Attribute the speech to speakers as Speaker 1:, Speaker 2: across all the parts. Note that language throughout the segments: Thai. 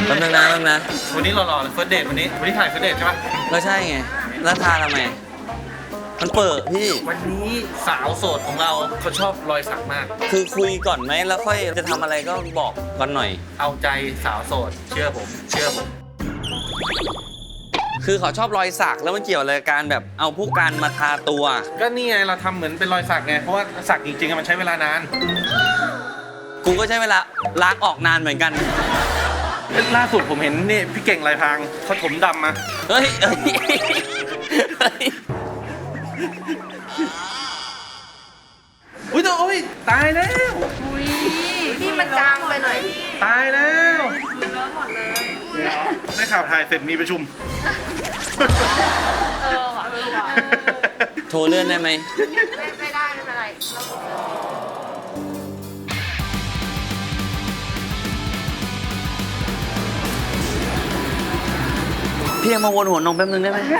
Speaker 1: แป๊บนึงนะ
Speaker 2: วันนี้หล่อๆเลยเฟิร์สเดทวันนี้ถ่ายเฟิร์สเดทใช่ปะ
Speaker 1: ก็ใช่ไงแล้วทาทำไมมันเปิดพี่
Speaker 2: วันนี้สาวโสดของเราเขาชอบรอยสักมาก
Speaker 1: คือคุยก่อนไหมแล้วค่อยจะทำอะไรก็บอกก่อนหน่อย
Speaker 2: เอาใจสาวโสดเชื่อผม
Speaker 1: คือเขาชอบรอยสักแล้วมันเกี่ยวอะไรกับการแบบเอาผู้การมาทาตัว
Speaker 2: ก็นี่ไงเราทำเหมือนเป็นรอยสักไงเพราะว่าสักจริงๆมันใช้เวลานาน
Speaker 1: กูก็ใช้เวลาล้างออกนานเหมือนกัน
Speaker 2: ล่าสุดผมเห็นนี่พี่เก่งลายพรางเขาถมดำมา
Speaker 1: เฮ้ย
Speaker 2: อุ้ยโอ้ยตายแล้ว
Speaker 3: อุ้ยพี่มันจางไปหน่อย
Speaker 2: ตายแล้ว
Speaker 3: เลอะหมดเลย
Speaker 2: ได้ข่าวถ่ายเสร็จมีประชุม
Speaker 3: ว่ะว่ะ
Speaker 1: โทรเลื่อนได้ไหม
Speaker 3: ไม่ได้ไม่เป็นไร
Speaker 1: พี่ยังมาวนหัวนมแป๊บนึงได้ไหม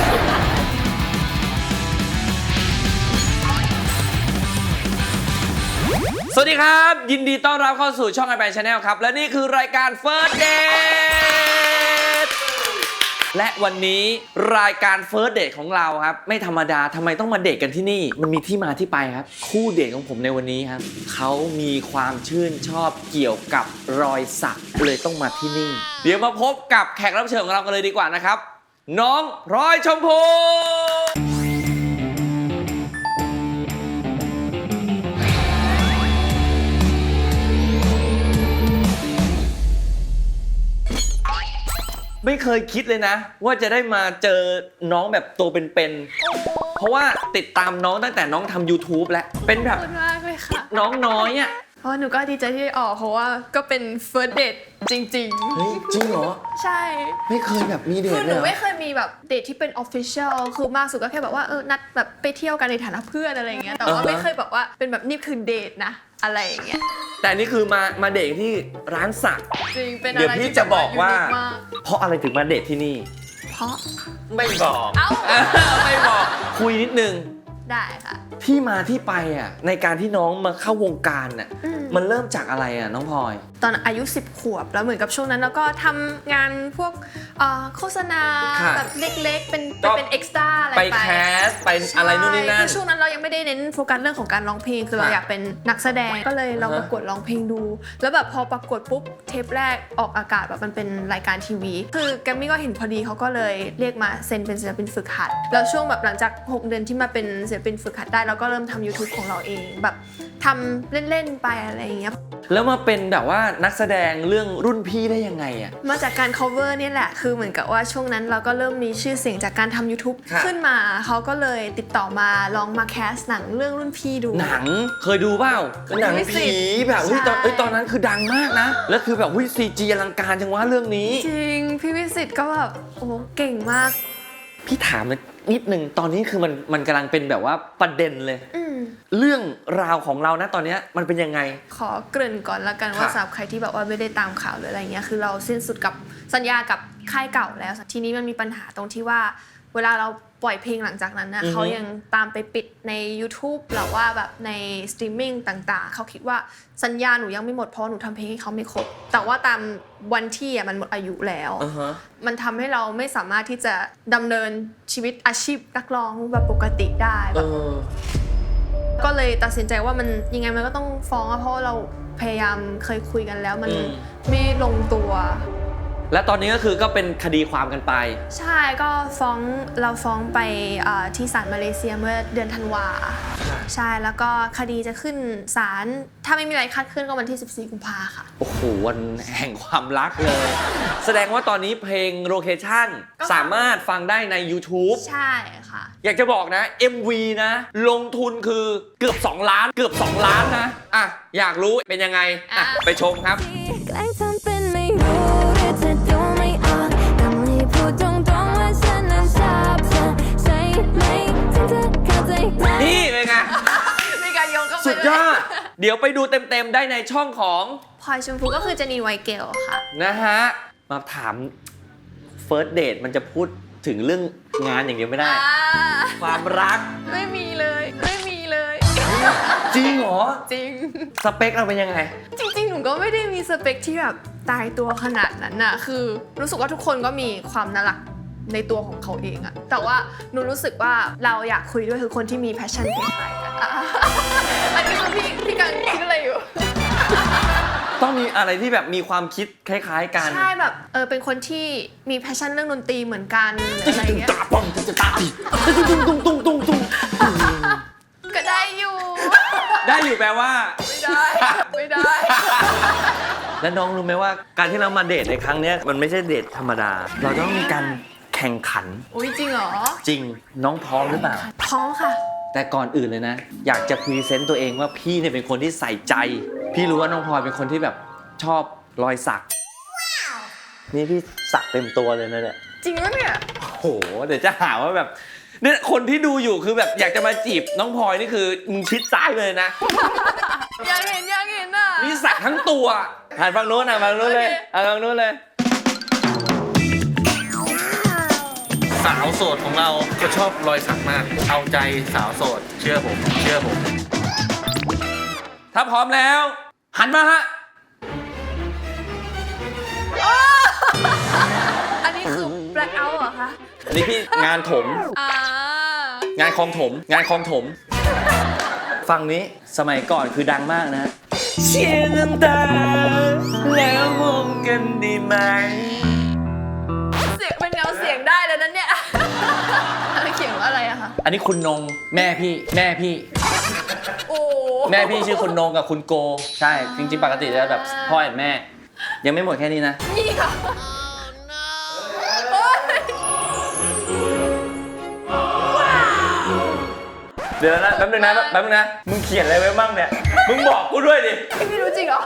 Speaker 1: สวัสดีครับ ยินดีต้อนรับเข้าสู่ช่อง iPad Channel ครับ และนี่คือรายการ First Date และวันนี้รายการ First Date ของเราครับ ไม่ธรรมดาทำไมต้องมาเดทกันที่นี่ มันมีที่มาที่ไปครับ คู่เดทของผมในวันนี้ครับ เขามีความชื่นชอบเกี่ยวกับรอยสักเลยต้องมาที่นี่ เดี๋ยวมาพบกับแขกรับเชิญของเรากันเลยดีกว่านะครับ น้องพลอยชมพูไม่เคยคิดเลยนะ ว่าจะได้มาเจอน้องแบบตัวเป็นๆ เพราะว่าติดตามน้องตั้งแต่น้องทำ YouTube แล้วเป็นแบบ
Speaker 3: ขอบคุณมากเลยค่ะ
Speaker 1: น้องน้อยอ่ะ
Speaker 3: เพราะหนูก็ดีใจที่ได้ออกเพราะว่าก็เป็น first date จริง
Speaker 1: เฮ้ย จริงเหรอ
Speaker 3: ๆ ใช่
Speaker 1: ไม่เคยแบบมีเด
Speaker 3: คื
Speaker 1: ท
Speaker 3: อห
Speaker 1: เล
Speaker 3: นู
Speaker 1: ยเหรอ
Speaker 3: ไม่เคยมีแบบเดทที่เป็น official คือมากสุดก็แค่แบบว่านัดแบบไปเที่ยวกันในฐานะเพื่อนอะไรอย่างเงี้ยแต่ว่าไม่เคยแบบว่าเป็นแบบนี่คือเดทนะอะไรอย่างเงี้ย
Speaker 1: แต่นี่คือมาเดทที่ร้านสัก
Speaker 3: จริงเป็นอะ
Speaker 1: เดี๋ยว
Speaker 3: ไร
Speaker 1: พี่
Speaker 3: ที่
Speaker 1: จะบอกว่า
Speaker 3: แบบ unique มก
Speaker 1: เพราะอะไรถึงมาเดทที่นี่
Speaker 3: เพราะ
Speaker 1: ไม่บอก
Speaker 3: เอ้า
Speaker 1: ไม่บอก คุยนิดนึง
Speaker 3: ได้ค่ะ
Speaker 1: ที่มาที่ไปอ่ะในการที่น้องมาเข้าวงการอ่ะ
Speaker 3: อืม
Speaker 1: มันเริ่มจากอะไรอ่ะน้องพลอย
Speaker 3: ตอนอายุ 10 ขวบแล้วเหมือนกับช่วงนั้นแล้วก็ทำงานพวกโฆษณา
Speaker 1: ค่ะ
Speaker 3: แบบเล็กๆ เป็น
Speaker 1: ก็
Speaker 3: เป็นเอ็กซ์ตร้าอะไร
Speaker 1: ไป
Speaker 3: ไป
Speaker 1: แคสไปอะไรนู่นนี่นั่
Speaker 3: คื
Speaker 1: น
Speaker 3: อช่วงนั้นเรายังไม่ได้เน้นโฟกัสเรื่องของการร้องเพลงคือเรา
Speaker 1: ค่ะ
Speaker 3: อยากเป็นนักแสดงก็เลยลอง
Speaker 1: อ่าฮะ
Speaker 3: ประกวดร้องเพลงดู แล้วแบบพอประกวดปุ๊บเทปแรกออกอากาศแบบมันเป็นรายการทีวี คือแกรมมี่ก็เห็นพอดีเขาก็เลยเรียกมาเซ็นเป็นศิลปินฝึกหัดแล้วช่วงแบบหลังจาก 6 เดือนที่มาเป็นศิลปินฝึกหัดได้เราก็เริ่มทำ YouTube ของเราเองแบบทำเล่นๆไปอะไรอย่างเงี้ย
Speaker 1: แล้วมาเป็นแบบว่านักแสดงเรื่องรุ่นพี่ได้ยังไงอ่ะ
Speaker 3: มาจากการ cover เนี่ยแหละ คือเหมือนกับว่าช่วงนั้นเราก็เริ่มมีชื่อเสียงจากการทำ YouTube
Speaker 1: ค่ะ
Speaker 3: ขึ้นมา เขาก็เลยติดต่อมาลองมาแคสหนังเรื่องรุ่นพี่ดู
Speaker 1: หนังเคยดูเปล่าเป็นหนัง
Speaker 3: ไม่สิ
Speaker 1: ผีแบบเฮ้ยตอน
Speaker 3: ใช่
Speaker 1: เอ้ยตอนนั้นคือดังมากนะ แล้วคือแบบซีจีอลังการจังวะเรื่องนี้
Speaker 3: จริง พี่วิสิตก็แบบ โอ้เก่งมาก
Speaker 1: พี่ถามนิดนึงตอนนี้คือมันกำลังเป็นแบบว่าประเด็นเลย
Speaker 3: อืม
Speaker 1: เรื่องราวของเรานะตอนเนี้ยมันเป็นยังไง
Speaker 3: ขอเกริ่นก่อนละกันว่า
Speaker 1: ค่ะ
Speaker 3: สำหรับใครที่แบบว่าไม่ได้ตามข่าวหรืออะไรเงี้ย คือเราสิ้นสุดกับสัญญากับค่ายเก่าแล้ว ทีนี้มันมีปัญหาตรงที่ว่า เวลาเราปล่อยเพลงหลังจากนั้นนะ
Speaker 1: อือฮึ
Speaker 3: เขายังตามไปปิดใน YouTube หรือว่าแบบในสตรีมมิ่งต่างๆ เขาคิดว่าสัญญาหนูยังไม่หมดเพราะหนูทำเพลงให้เขาไม่ครบ แต่ว่าตามวันที่อ่ะมันหมดอายุแล้ว
Speaker 1: อ่าฮะ
Speaker 3: มันทำให้เราไม่สามารถที่จะดำเนินชีวิตอาชีพนักร้องแบบปกติได้
Speaker 1: เอ
Speaker 3: แบบ
Speaker 1: อ
Speaker 3: ก็เลยตัดสินใจว่ามันยังไงมันก็ต้องฟ้องอะเพราะว่าเราพยายามเคยคุยกันแล้วมัน
Speaker 1: อืม
Speaker 3: ไม่ลงตัว
Speaker 1: และตอนนี้ก็คือก็เป็นคดีความกันไป
Speaker 3: ใช่ก็เราฟ้องไปที่ศาลมาเลเซียเมื่อเดือนธันวาใช่แล้วก็คดีจะขึ้นศาลถ้าไม่มีอะไรคาดเคลื่อนก็วันที่ 14 กุมภาค่ะ
Speaker 1: โอ้โหวันแห่งความรักเลย แสดงว่าตอนนี้เพลงโลเคชั่น
Speaker 3: ก็
Speaker 1: สามารถฟังได้ใน YouTube
Speaker 3: ใช่ค่ะ
Speaker 1: อยากจะบอกนะ MV นะ ลงทุนคือเกือบ 2 ล้าน เกือบ 2 ล้านนะ อ่ะ อยากรู้เป็นยังไง อ่ะ ไปชมครับ
Speaker 4: แกล้งทำเป็นไม่รู้หรือจะดูไม่ออกต้องรีบพูดตรงๆว่าฉันนั้นชอบเธอใช่ไหมถึงจะเข้าใจไหม
Speaker 1: นี่เป็นไง
Speaker 3: มีการโยงเข้าไป
Speaker 1: สุดยอด เดี๋ยวไปดูเต็มๆได้ในช่องของ
Speaker 3: พลอยชมพูก็คือเจนีไวเกลค่ะ
Speaker 1: นะฮะ มาถาม First Date มันจะพูดถึงเรื่องงานอย่างเดียวไม่ได้ ความรัก
Speaker 3: ไม่มีเลยไม่มีเลย
Speaker 1: จริงเหรอ
Speaker 3: จริง
Speaker 1: สเปคเราเป็นยังไง
Speaker 3: จริงๆ หนูก็ไม่ได้มีสเปคที่แบบตายตัวขนาดนั้นน่ะคือรู้สึกว่าทุกคนก็มีความน่ารักในตัวของเขาเองอะแต่ว่าหนูรู้สึกว่าเราอยากคุยด้วยคือคนที่มีแพชชั่นคล้ายๆกันอ่ะอันนี้คือพี่กังคิดอะไรอยู่
Speaker 1: ต้องมีอะไรที่แบบมีความคิดคล้ายๆกัน
Speaker 3: ใช่แบบเป็นคนที่มีแพชชั่นเรื่องดนตรีเหมือนกันหรืออะไรเงี้ย
Speaker 1: ตาปองจะตาตุ้งตุ้งตุ้งตุ้งตุ้ง
Speaker 3: ก็ได้อยู่
Speaker 1: ได้อยู่แปลว่า
Speaker 3: ไม่ได้ไม่ได้
Speaker 1: แล้วน้องรู้ไหมว่าการที่เรามาเดทในครั้งเนี้ยมันไม่ใช่เดทธรรมดา เราต้องมีการแข่งขัน
Speaker 3: อุ้ยจริงเหรอ
Speaker 1: จริงน้องพร้อมหรือเปล่า
Speaker 3: พร้อมค่ะ
Speaker 1: แต่ก่อนอื่นเลยนะ อยากจะพรีเซนต์ตัวเองว่าพี่เนี่ยเป็นคนที่ใส่ใจ พี่รู้ว่าน้องพลอยเป็นคนที่แบบชอบรอยสัก นี่พี่สักเต็มตัวเลยนะเนี่ย
Speaker 3: จริงปะเนี่ย
Speaker 1: โหเดี๋ยวจะหาว่าแบบเนี่ยคนที่ดูอยู่คือแบบอยากจะมาจีบน้องพลอยนี่คือมึงชิดซ้ายเลยนะ
Speaker 3: อยากเห็นอ่ะ
Speaker 1: นี่สักทั้งตัวหันฝั่งโน้นฝั่งโน้นเลย
Speaker 3: โอเค
Speaker 1: หันฝั่งโน้นเลย
Speaker 2: สาวโสดของเราจะชอบรอยสักมาก เอาใจสาวโสด เชื่อผม เชื่อผม
Speaker 1: ถ้าพร้อมแล้ว หันมาฮะ
Speaker 3: อันนี้คือ black out เหรอคะ
Speaker 1: อันนี้พี่งานถม
Speaker 3: อ่า
Speaker 1: งานคลองถม งานคลองถม ฝั่งนี้สมัยก่อนคือดังมากนะ เชียร์น้ำตาแล้วมองกันดีไหม
Speaker 3: เสียงเป็นเงาเสียงได้แล้วนั้นเนี่ยเขียนว่าอะไรอะคะ
Speaker 1: อันนี้คุณนงแม่พี่
Speaker 3: โอ้
Speaker 1: แม่พี่ชื่อคุณนงกับคุณโก ใช่ จริงๆปกติจะแบบพ่อแอนแม่ ยังไม่หมดแค่นี้นะ
Speaker 3: นี่ค่ะโอ้ย
Speaker 1: เดี๋ยวนะแป๊บนึงนะมึงเขียนอะไรไว้บ้างเนี่ย มึงบอกกูด้วยดิ
Speaker 3: พี่รู้จริงเหรอ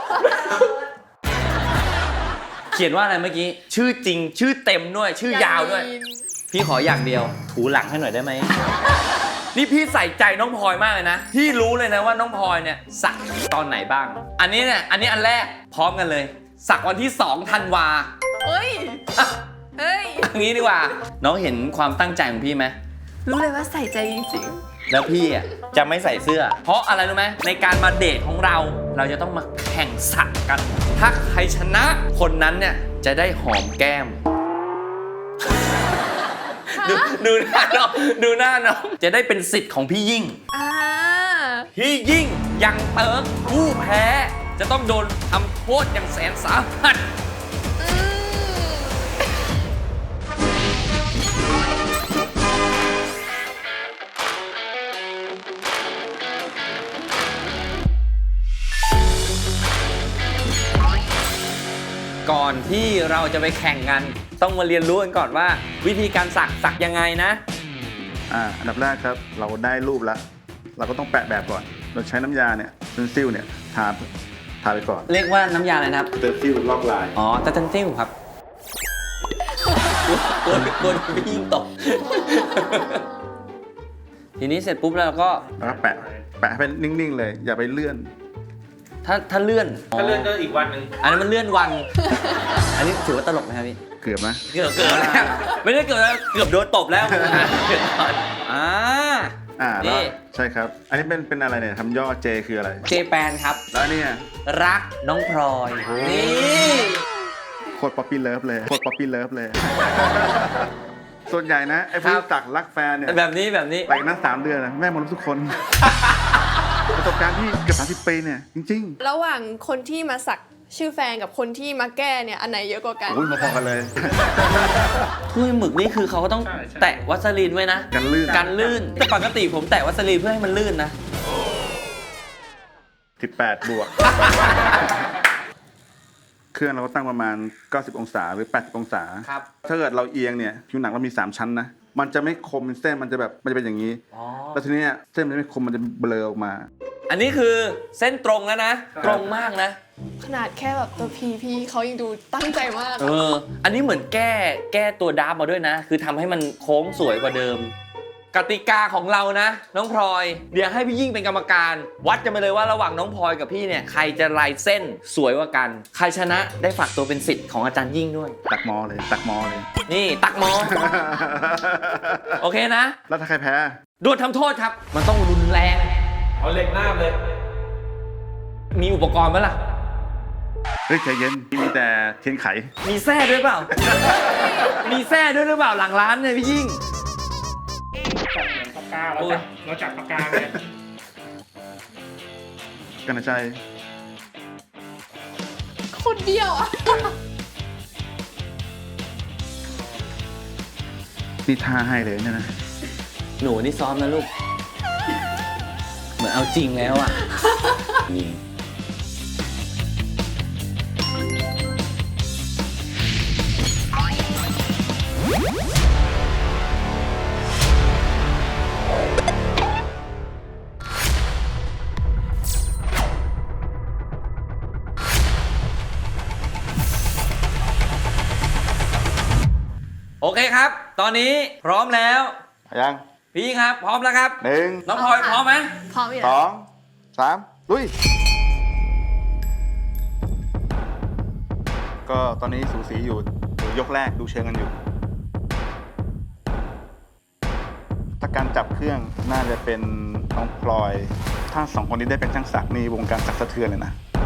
Speaker 1: เขียนว่าอะไรเมื่อกี้ ชื่อจริง ชื่อเต็มด้วย ชื่อยาวด้วย พี่ขออย่างเดียว ถูหลังให้หน่อยได้ไหม นี่พี่ใส่ใจน้องพลอยมากเลยนะ พี่รู้เลยนะว่าน้องพลอยเนี่ยสักตอนไหนบ้าง อันนี้เนี่ย อันนี้อันแรกพร้อมกันเลย สักวันที่2 ธันวา
Speaker 3: เฮ้ย
Speaker 1: อ่ะ
Speaker 3: เฮ้ย
Speaker 1: อย่างนี้ดีกว่า น้องเห็นความตั้งใจของพี่ไหม
Speaker 3: รู้เลยว่าใส่ใจจริง
Speaker 1: แล้วพี่อ่ะจะไม่ใส่เสื้อ เพราะอะไรรู้ไหมในการมาเดทของเรา เราจะต้องมาแข่งสักกัน ถ้าใครชนะคนนั้นเนี่ยจะได้หอมแก้ม ดูหน้าน้องดูหน้าน้องจะได้เป็นสิทธิ์ของพี่ยิ่ง
Speaker 3: ๆอ่า
Speaker 1: พี่ยิ่งยังเติร์กผู้แพ้จะต้องโดนทำโทษอย่างแสนสาหัส
Speaker 3: อืม
Speaker 1: ก่อนที่เราจะไปแข่งกัน ต้องมาเรียนรู้กันก่อนว่า วิธีการสักยังไงนะ
Speaker 5: อันดับแรกครับเราได้รูปแล้ว เราก็ต้องแปะแบบก่อน เราใช้น้ำยาเนี่ยเซนซิลเนี่ยทาไปก่อน
Speaker 1: เรียกว่าน้ำยาอะไรนะครับ
Speaker 5: เซนซิลลอกลาย
Speaker 1: อ๋อตันซิลครับตัวพี่ยิ่งตก ทีนี้เสร็จปุ๊บแล้วเราก็
Speaker 5: แล้วก็แปะให้เป็นนิ่งๆเลย อย่าไปเลื่อน
Speaker 1: ถ้าเลื่อน
Speaker 2: ถ้าเลื่อนก็อีกวันหนึ่ง
Speaker 1: อันนั้นมันเลื่อนวัน อันนี้ถือว่าตลกไหมครับพี่
Speaker 5: เกือบนะ
Speaker 1: เกือบแล้วไม่ได้เกือบแล้วเกือบโดนตบแล้วอ่า
Speaker 5: แล้ว
Speaker 1: นี่
Speaker 5: ใช่ครับ อันนี้เป็นอะไรเนี่ยทำย่อเจคืออะไร
Speaker 1: เจแปนครับ
Speaker 5: แล้วเนี่ย
Speaker 1: รักน้องพลอยนี่
Speaker 5: โคตรป๊อปปี้เลิฟเลยโคตรป๊อปปี้เลิฟเลย ส่วนใหญ่นะไอ้พวกตักรักแฟนเนี่ย
Speaker 1: แบบนี้
Speaker 5: ไปกันนั้น3 เดือนนะแม่มนุษย์ทุกคน ประสบการณ์ที่เกือบ30 ปีเนี่ยจริง
Speaker 3: ระหว่างคนที่มาสักชื่อแฟนกับคนที่มาแก้เนี่ยอันไหนเยอะกว่ากัน
Speaker 5: ๆโอ้ยพอๆกันเลย
Speaker 1: ถ้วยหมึกนี่คือเขาก็ต้องแตะวัสลีนไว้นะ
Speaker 5: กันลื่น
Speaker 1: กันลื่น แต่ปกติผมแตะวัสลีนเพื่อให้มันลื่นนะ
Speaker 5: 18 บวก เครื่องเราก็ตั้งประมาณ 90 องศาหรือ 80 องศา
Speaker 1: ครับ
Speaker 5: ถ้าเกิดเราเอียงเนี่ยผิวหนังเรามี 3 ชั้นนะ มันจะไม่คมเป็นเส้น มันจะเป็นอย่างนี้
Speaker 1: อ๋อ
Speaker 5: แล้วทีเนี้ยเส้นมันจะไม่คม มันจะเบลอออกมา
Speaker 1: อันนี้คือเส้นตรงแล้วนะ ตรงมากนะ
Speaker 3: ขนาดแค่แบบตัวพี่เขายังดูตั้งใจมาก
Speaker 1: อันนี้เหมือนแก้ตัวดาร์ฟมาด้วยนะ คือทำให้มันโค้งสวยกว่าเดิม กติกาของเรานะ น้องพลอย เดี๋ยวให้พี่ยิ่งเป็นกรรมการ วัดกันไปเลยว่าระหว่างน้องพลอยกับพี่เนี่ยใครจะลายเส้นสวยกว่ากัน ใครชนะได้ฝากตัวเป็นศิษย์ของอาจารย์ยิ่งด้วย
Speaker 5: ตักมอเลย ตักมอเลย
Speaker 1: นี่ตักหมอ โอเคนะ
Speaker 5: แล้วถ้าใครแพ้
Speaker 1: โดนทำโทษครับ มันต้องรุนแรง
Speaker 2: เอาเหล็กหน้าเลย
Speaker 1: มีอุปกรณ์ไหมล่ะ
Speaker 5: เฮ้ยใจเย็นมีแต่เทียนไข
Speaker 1: มีแซ่ด้วยเปล่า มีแซ่ด้วยหรือเปล่าหลังร้านเนี่ยพี่ยิ่ง
Speaker 6: ปากกาเราจับปากกาเลย
Speaker 5: กันนะใจ
Speaker 3: คนเดียวอะ
Speaker 5: นี่ท่าให้เลยเนี่ยนะ
Speaker 1: หนูนี่ซ้อมนะลูก เหมือนเอาจริงแล้วอ่ะยิงโอเคครับ ตอนนี้พร้อมแล้ว
Speaker 5: ยัง
Speaker 1: พี่ยิ่งครับ พร้อมแล้วครับ
Speaker 5: 1
Speaker 1: น้องพลอยพร้อมไหม
Speaker 3: พร้อมอยู่แล้ว
Speaker 5: 2 3ลุยก็ตอนนี้สูสีอยู่ยกแรกดูเชิงกันอยู่ ถ้าการจับเครื่องน่าจะเป็นน้องพลอย ถ้าสองคนนี้ได้เป็นช่างศักดิ์นี่วงการศักดิ์สะเทือนเลยนะ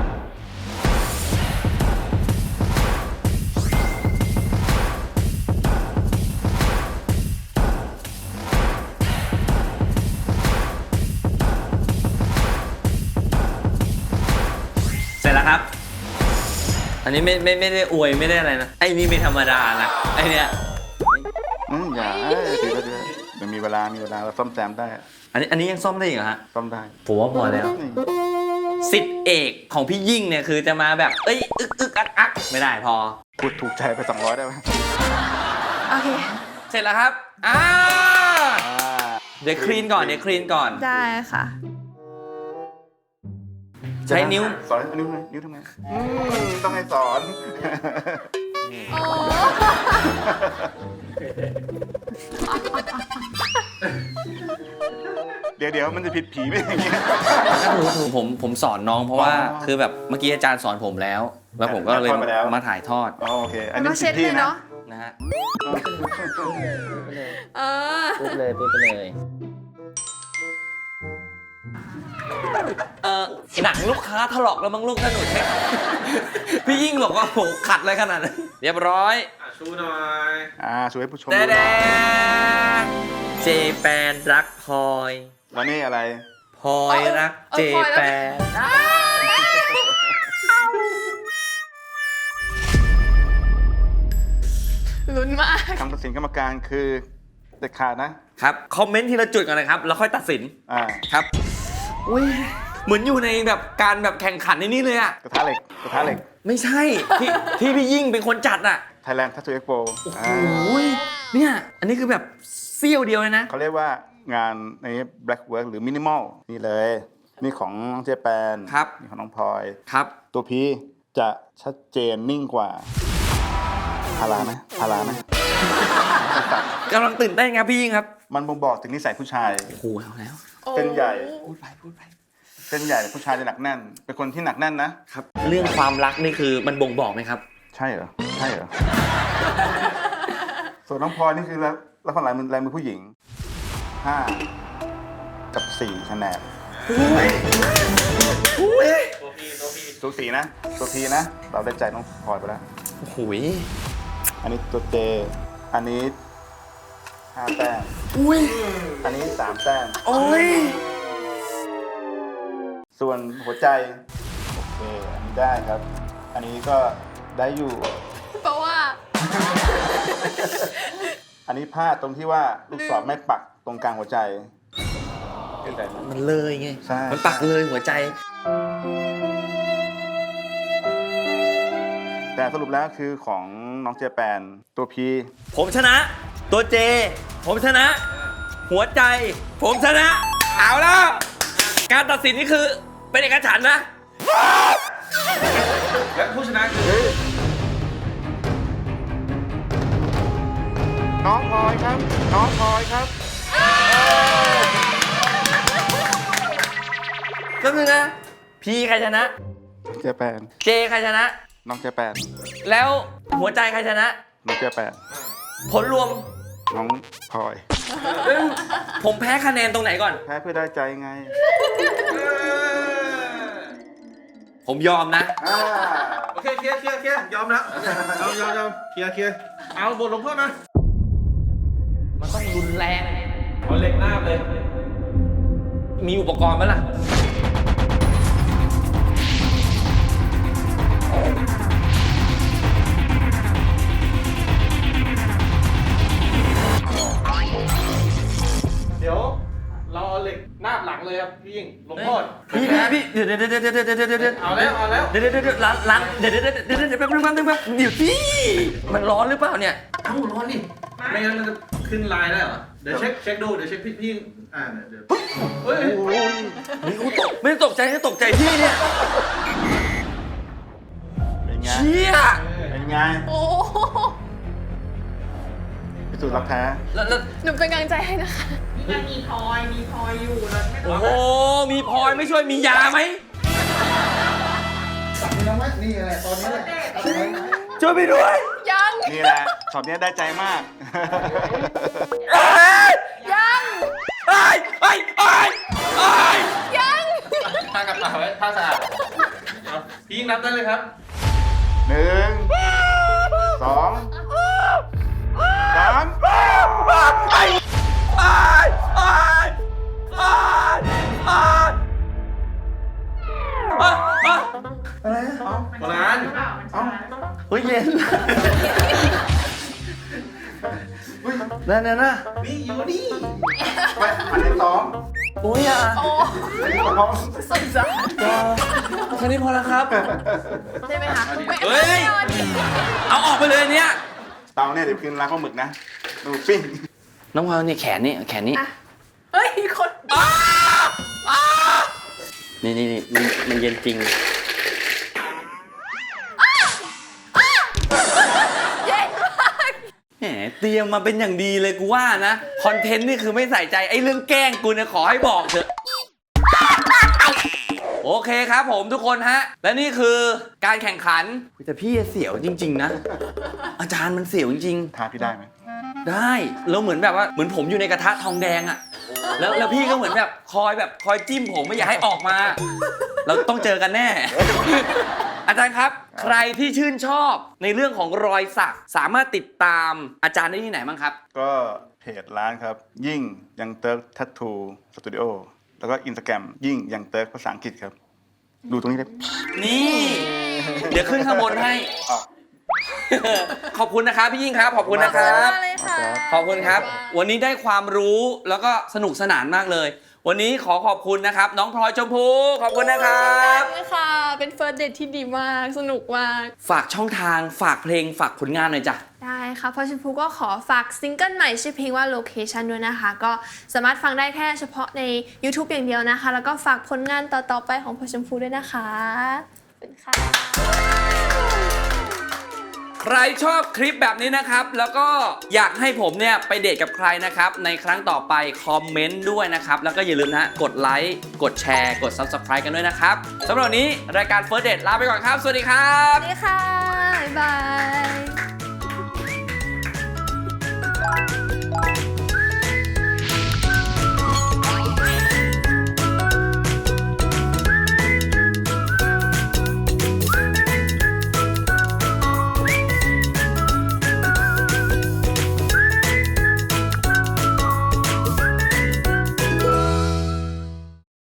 Speaker 1: เสร็จแล้วครับ อันนี้ไม่ได้อวยไม่ได้อะไรนะ ไอ้นี่ไม่ธรรมดานะ ไอ้เนี่ย
Speaker 5: อย่าดีแล้วดีเดี๋ยวมีเวลาเราซ่อมแซมได้
Speaker 1: อันนี้ยังซ่อมได้อีกเหรอฮะ
Speaker 5: ซ่อมได้
Speaker 1: ผมว่าพอแล้ว
Speaker 5: นี่
Speaker 1: สิทธิ์เอกของพี่ยิ่งเนี่ยคือจะมาแบบ เอ้ยอึกอักไม่ได้พอ
Speaker 5: พูดถูกใจไป200ได้ไหม
Speaker 3: โอเค
Speaker 1: เสร็จแล้วครับเดี๋ยวคลีนก่อน
Speaker 3: ได้ค่ะ
Speaker 1: ใช้นิ้ว
Speaker 5: สอนนิ้วทำไงต้องให้สอน
Speaker 3: โอ้
Speaker 5: เดี๋ยวมันจะผิดผีไม่อย่างเงี้ย
Speaker 1: ผมสอนน้องเพราะว่า
Speaker 5: อ๋อ
Speaker 1: คือแบบเมื่อกี้อาจารย์สอนผมแล้ว แล้วผมก็เลย
Speaker 5: ถ่ายทอดไปแล้ว
Speaker 1: มาถ่ายทอด
Speaker 5: อ๋อโอเค อัน
Speaker 3: เรา
Speaker 5: นี้
Speaker 3: เช็ด
Speaker 5: ผิด
Speaker 3: เล
Speaker 5: ที่
Speaker 3: ย
Speaker 5: นะ
Speaker 3: เนาะ
Speaker 1: นะฮะ
Speaker 3: เออ
Speaker 1: ปุ๊บไปเลยหนังลูกค้าถลอกแล้วมั้งลูกถนนไหม พี่ยิ่งบอกว่าโหขัดอะไรขนาดนั้นเรียบร้อย
Speaker 2: ชูหน่อย
Speaker 5: ช่วยให้ผู้ชม
Speaker 1: แด
Speaker 5: ดูห
Speaker 1: แด
Speaker 5: น่อย
Speaker 1: เจแปนรักพลอย
Speaker 5: แล้วนี่อะไร
Speaker 1: พลอยรักเจแปน
Speaker 3: ลุ้นมาก
Speaker 5: คำตัดสินกรรมการคือเด็ดขาดนะ
Speaker 1: ครับคอมเมนต์ทีละจุดก่อนนะครับแล้วค่อยตัดสิน ครับอุ้ยเหมือนอยู่ในแบบการแบบแข่งขันในนี้เลยอะ
Speaker 5: กระทะเหล็ก
Speaker 1: ไม่ใช่ที่พี่ยิ่งเป็นคนจัดอะ
Speaker 5: Thailand Tattoo Expo
Speaker 1: โอ้ยเนี่ยอันนี้คือแบบเสี้ยวเดียวเลยนะ
Speaker 5: เขาเรียกว่างานใน Black Work หรือ Minimal นี่เลย นี่ของน้องเจแปน
Speaker 1: ครับ
Speaker 5: นี่ของน้องพลอย
Speaker 1: ครับ
Speaker 5: ตัวพีจะชัดเจนนิ่งกว่าพาราไหม
Speaker 1: กำลังตื่นเต้นครับพี่ยิ่งครับ
Speaker 5: มันบ่งบอกถึงนิสัยผู้ชาย
Speaker 1: โอ้โหเอาแล้ว
Speaker 5: เส้นใหญ่
Speaker 1: พูดไป
Speaker 5: เส้นใหญ่ผู้ชายจะหนักแน่น เป็นคนที่หนักแน่นนะ
Speaker 1: ครับเรื่องความรักนี่คือมันบ่งบอกไหมครับ
Speaker 5: ใช่เหรอ ส่วนน้องพลอยนี่คือแล้วคนลายมือผู้หญิง 5 กับ 4คะแนนสูสีนะ ตัวพีนะ เราได้ใจน้องพลอยไปแล้ว
Speaker 1: โอ้โห
Speaker 5: อันนี้ตัวเจ อันนี้5 แต้ม
Speaker 1: อุ้ย
Speaker 5: อันนี้3 แต้ม
Speaker 1: โอ้ย
Speaker 5: ส่วนหัวใจ โอเค อันนี้ได้ครับ อันนี้ก็ได้อยู่
Speaker 3: เพราะว่า
Speaker 5: อันนี้พลาดตรงที่ว่าลูกศรไม่ปักตรงกลางหัวใจ
Speaker 1: มันเลยไง
Speaker 5: ใช่
Speaker 1: มันปักเลยหัวใจ
Speaker 5: แต่สรุปแล้วคือของน้องเจแปนตัวพี
Speaker 1: ผมชนะ ตัวเจ ผมชนะ หัวใจ ผมชนะ เอาแล้ว การตัดสินนี่คือเป็นเอกฉันท์นะ
Speaker 2: และผู้ชนะคือ
Speaker 5: น้องพลอยครับ น้องพลอยครับ
Speaker 1: ก็คือนะพีใครชนะ
Speaker 5: เจแปน
Speaker 1: เจใครชนะ
Speaker 5: น้องเจแปน
Speaker 1: แล้วหัวใจใครชนะ
Speaker 5: น้องเจแปน
Speaker 1: ผลรวม
Speaker 5: น้องพลอย
Speaker 1: ผมแพ้คะแนนตรงไหนก่อน
Speaker 5: แพ้เพื่อได้ใจไง
Speaker 1: ผมยอมนะ
Speaker 2: โอเคเคลียร์ยอมแล้วยอมเคลียร์เอาบทลงโทษมา
Speaker 1: มันต้องรุนแรง
Speaker 2: เอาเหล็กหน้าเลย
Speaker 1: มีอุปกรณ์ไหมล่ะ
Speaker 2: เดี๋ยวเราเอาเหล็กหน้าบหลังเลยครับพี่ยิ่งลงโทษ
Speaker 1: พี่เดี๋ยว
Speaker 2: เอาแล้ว
Speaker 1: เดี๋ยวล้างเดี๋ยวแป๊บนึงเดี๋ยวพี่มันร้อนหรือเปล่าเนี่ย
Speaker 2: เอ้าร้อนดิไม่งั้นมันจะขึ้นลายได้เหรอเดี๋ยวเช็คดูเดี๋ยวเช็คพี่ยิ่งเดี๋ยวเฮ้ย
Speaker 1: นี่กูตกไม่ได้ตกใจนะตกใจพี่เนี่ย
Speaker 5: เป็นไง
Speaker 1: เชี่ย
Speaker 5: เป็นไง
Speaker 3: โอ้
Speaker 5: พิสูจน์รักแท้
Speaker 1: แล้ว
Speaker 3: หนูเป็นกำลังใจให้นะคะ
Speaker 6: มันมีพลอยอยู่แล้วไม่
Speaker 1: โอ้โหมีพลอยไม่ช่วยมียาไหม
Speaker 5: นี่แหละตอนนี้แหละ
Speaker 1: ช่วยไปด้วย
Speaker 3: ยัง
Speaker 5: นี่แหละช็อตนี้ได้ใจมาก
Speaker 3: ยัง ยัง
Speaker 2: ผ้ากระเป๋าไว้ผ้าสะอาดเอาพี่ยิ่งนับได้เลยครับ
Speaker 5: 1 2 3
Speaker 2: โบราณ
Speaker 1: เฮ้ยเย็นนั่น
Speaker 2: นี่อยู่นี่
Speaker 5: ไปอันที่สอง
Speaker 1: โอ้ยอ่ะ
Speaker 3: โอ้
Speaker 5: อันที่สอง
Speaker 3: สงสาร
Speaker 1: แค่นี้พอแล้วครับ
Speaker 3: ได้ไหมคะ
Speaker 1: เฮ้ย เอาออกไปเลยเนี่ย
Speaker 5: เตาเนี่ยเดี๋ยวคืนร้านข้าวหมึกนะ ดูปิ้ง
Speaker 1: น้องพลอยนี่แขนนี่
Speaker 3: เฮ้ย คน
Speaker 1: นี่มันเย็นจริง
Speaker 3: เย็นมาก
Speaker 1: แหมเตรียมมาเป็นอย่างดีเลยกูว่านะ คอนเทนต์นี่คือไม่ใส่ใจไอ้เรื่องแกล้งกูเนี่ยขอให้บอกเถอะ โอเคครับผมทุกคนฮะ และนี่คือการแข่งขันแต่พี่เสียวจริง ๆ นะ อาจารย์มันเสียวจริง
Speaker 5: ทาพี่ได้ไหม
Speaker 1: ๆ ได้แล้วเหมือนแบบว่าเหมือนผมอยู่ในกระทะทองแดงอะแล้วพี่ก็เหมือนแบบคอยจิ้มผมไม่อยากให้ออกมา เราต้องเจอกันแน่ อาจารย์ครับ ใครที่ชื่นชอบในเรื่องของรอยสักสามารถติดตามอาจารย์ได้ที่ไหนบ้างครับ
Speaker 5: ก็เพจร้านครับ ยิ่งยังเติร์กทัตทูสตูดิโอแล้วก็อินสตาแกรมยิ่งยังเติร์กภาษาอังกฤษครับ ดูตรงนี้เลย
Speaker 1: นี่ เดี๋ยวขึ้นข้างบนให้
Speaker 5: อ๋อ
Speaker 1: ขอบคุณนะครับพี่ยิ่งครับ ขอบคุณนะครับ
Speaker 3: ขอบคุณมากเลยค่ะ
Speaker 1: ขอบคุณครับ วันนี้ได้ความรู้แล้วก็สนุกสนานมากเลย วันนี้ขอขอบคุณนะครับ น้องพลอยชมพูขอบคุณนะครับ
Speaker 3: เช่นกันค่ะ เป็นเฟิร์สเดทที่ดีมาก สนุกมาก
Speaker 1: ฝากช่องทางฝากเพลงฝากผลงานหน่อยจ้ะ
Speaker 3: ได้ค่ะพอชมพูก็ขอฝากซิงเกิลใหม่ชื่อเพลงว่า Location ด้วยนะคะ ก็สามารถฟังได้แค่เฉพาะใน YouTube อย่างเดียวนะคะ แล้วก็ฝากผลงานต่อๆไปของพอชมพูด้วยนะคะขอบคุณค่ะ
Speaker 1: ใครชอบคลิปแบบนี้นะครับ แล้วก็อยากให้ผมเนี่ยไปเดทกับใครนะครับ ในครั้งต่อไปคอมเมนต์ด้วยนะครับ แล้วก็อย่าลืมนะกดไลค์กดแชร์กด Subscribe กันด้วยนะครับสำหรับวันนี้รายการ First Date ลาไปก่อนครับ สวัสดีครับ
Speaker 3: สวัสดีค่ะ บ๊ายบาย